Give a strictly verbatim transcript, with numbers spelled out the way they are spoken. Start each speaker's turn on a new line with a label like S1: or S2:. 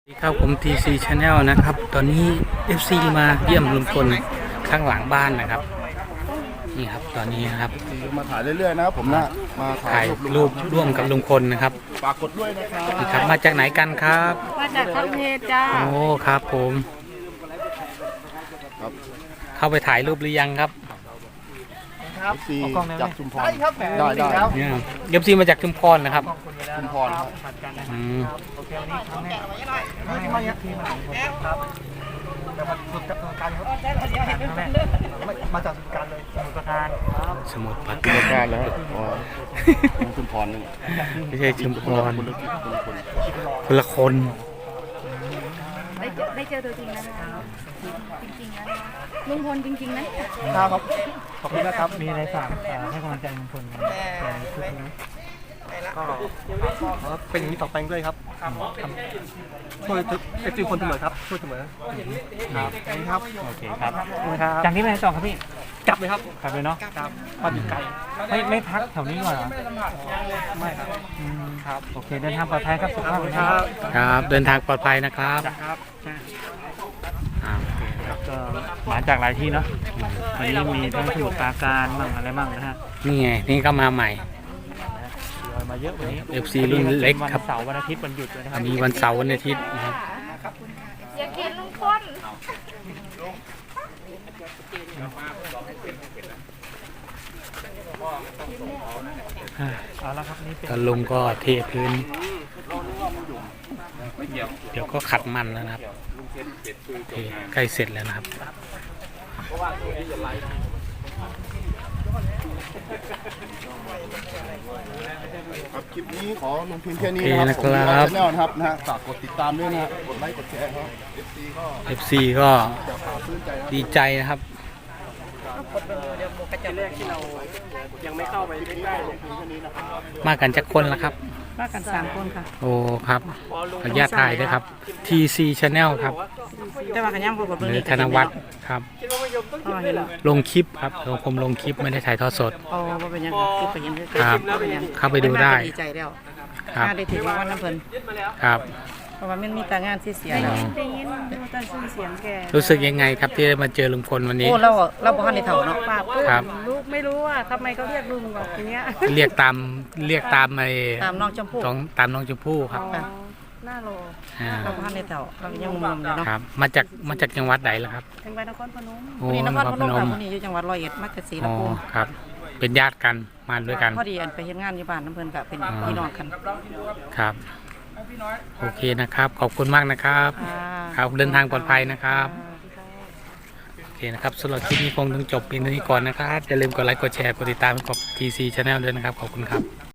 S1: สวัสดีครับผม ที ซี Channel นะครับ ตอนนี้ เอฟ ซี มาเยี่ยมลุงพลข้างหลังบ้านนะครับนี่ครับตอนนี้นะครับ
S2: มาถ่ายเรื่อยๆนะครับผมนะมา
S1: ถ่ายรูปร่วมกับลุงพลนะครับ
S2: ฝากกดด้วยนะครับ
S1: นี่ครับมาจากไหนกันครับ
S3: มาจากทัพเพจ้า
S1: โอ้ครับผมเข้าไปถ่ายรูปหรือยังครับ
S2: เอฟซีจากชุมพรได้ได้
S1: เนี่ยเอฟซีมาจากชุมพรนะครับ
S2: ชุมพรครับ
S1: อืม
S4: โอเควันนี้ครั้งแรกไม่ไม่ทีมครับแต่มาสุดการครับมาจากสุดการเลยสมุทรปราการ
S1: สมุทรปรา
S2: ชุมพ
S1: การ
S2: รแล้วอ๋อชุมพรนึง
S1: ไม่ใช่ชุมพรคนละคน
S3: ได้เจอได้เจอตัวจริงแล้วนะคะจริงๆแล้วลุงพลจริงๆนะครับ
S4: ขอบคุณนะครับมีอะไรฝากให้กำลังใจลุงพลกันทุกคนนะก็เป็นอย่างนี้ต่อไปด้วยครับช่วยเอฟซีคนเสมอครับช่วยเสมอครับครับโอเคครับจากนี้ไปไหนต่อครับพี่กลับเลยครับกลับเลยเนาะกลับพอดีไกลไม่ไม่พักแถวนี้ก่อนเหรอไม่ครับครับโอเคเดินทางปลอดภัยครับสุขภาพครับ
S1: ครับเดินทางปลอดภัยนะครับ
S4: ครับก็มาจากหลายที่เนาะวันนี้มีทั้งสมุทรปราการมั่งอะไรมั่งนะฮะ
S1: นี่ไงนี่ก็มาใหม่
S4: มาเยอะวันนี้
S1: เอฟ ซี รุ่นเล็กครับ
S4: เสาร์วันอาทิตย์วันหยุดเลยนะครับ
S1: มีวันเสาร์วันอาทิตย์นะครับ
S3: อยากเห็นลุงพล
S4: เอาละครับนี่
S1: ก็ลุงก็เทพื้นเดี๋ยวก็ขัดมันแล้วนะครับใกล้เสร็จแล้วนะครับ
S2: ครับคลิปนี้ขอลงเพียงแค่นี้นะครับผมชาแนลนะครับนะฮะฝากกดติดตามด้วยนะกดไลค์กดแชร์ครับ เอฟ ซี ก็
S1: เอฟ ซี ก็ดีใจนะครับมากันจากคนละครับ
S3: มากันสามคนค่ะ
S1: โอ้ครับขออนุญาตถ่ายด้วยครับ ที ซี Channel ครับ
S3: จะมากันย่ำกับ
S1: หรือธนวัฒน์ครับลงคลิปครับผมลงคลิปไม่ได้ถ่ายทอดสด
S3: โอ้เป็นยังคลิปเป็นยัง
S1: ครับเข้าไปดูได้
S3: ดีใจแล้ว
S1: ครับ
S3: ได้ถึงวันน้ำเพลิน
S1: ครับ
S3: เพราะว่ามันมีแต่งานที่เสียแล้วได้ยินได้ยินเสียงแก
S1: รู้สึกยังไงครับที่ได้มาเจอลุงพลวันนี้
S3: โอ้เราเราบ้านในเถาเนาะ
S1: ครับ
S3: ลูกไม่รู้ว่าทำไมเขาเรียกลุงแบบนี้
S1: เรียกตามเรียกตามไอ้
S3: ตามน้องชมพู่
S1: ตามน้องชมพู่ครับ
S3: หน้าโลเราบ้านในเถาเรายังงงอยู่เนาะ
S1: ครับมาจากมาจากจังหวัดไหนล่ะครับ
S3: จังหวัดนครพนม
S1: โอ้
S3: นครพนมคนนี้อยู่จังหวัดร้อยเอ็ดมักกะสีลำพูน
S1: ครับเป็นญาติกันมาด้วยกัน
S3: พอดีอันไปเฮ็ดงานอยู่บ้านน้ำเพลินกับเป็นพี่น้องกัน
S1: ครับโอเคนะครับขอบคุณมากนะครับครับเดินทางปลอดภัยนะครับโอเคนะครับสำหรับคลิปนี้คงต้องจบเพียงเท่านี้ก่อนนะครับอย่าลืมกดไลค์กดแชร์กดติดตามกด ที ซี Channel ด้วยนะครับขอบคุณครับ